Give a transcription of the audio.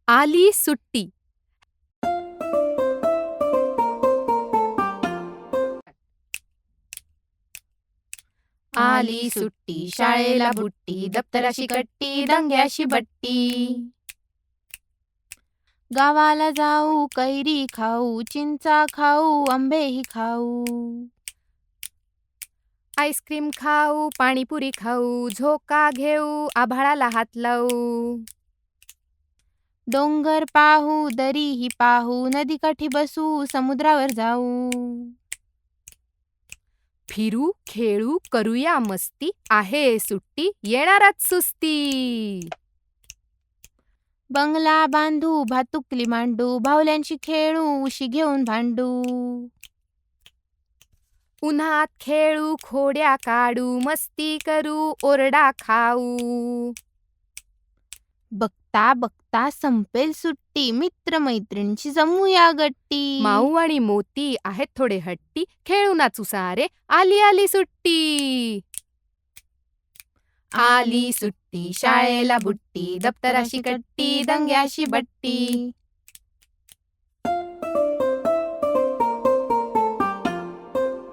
आली सुट्टी. आली सुट्टी, शाळेला बुट्टी, दप्तराशी कट्टी, दंग्याशी बट्टी. गावाला जाऊ, कैरी खाऊ, चिंचा खाऊ, आंबेही खाऊ. आईस्क्रीम खाऊ, पाणीपुरी खाऊ, झोका घेऊ, आभाळाला हात लावू. डोंगर पाहू, दरीही पाहू, नदीकाठी बसू, समुद्रावर जाऊ. फिरू, खेळू, करूया मस्ती, आहे सुट्टी, येणारच सुस्ती. बंगला बांधू, भातुकली मांडू, बाहुल्यांशी खेळू, उशी घेऊन भांडू. उन्हात खेळू, खोड्या काढू, मस्ती करू, ओरडा खाऊ. बघता बघता संपेल सुट्टी, मित्र मैत्रिणींची जमूया गट्टी. माऊ आणि मोती आहेत थोडे हट्टी, खेळू नाचू सारे, आली आली सुट्टी. आली सुट्टी, शाळेला बुट्टी, दप्तराशी कट्टी, दंग्याशी बट्टी.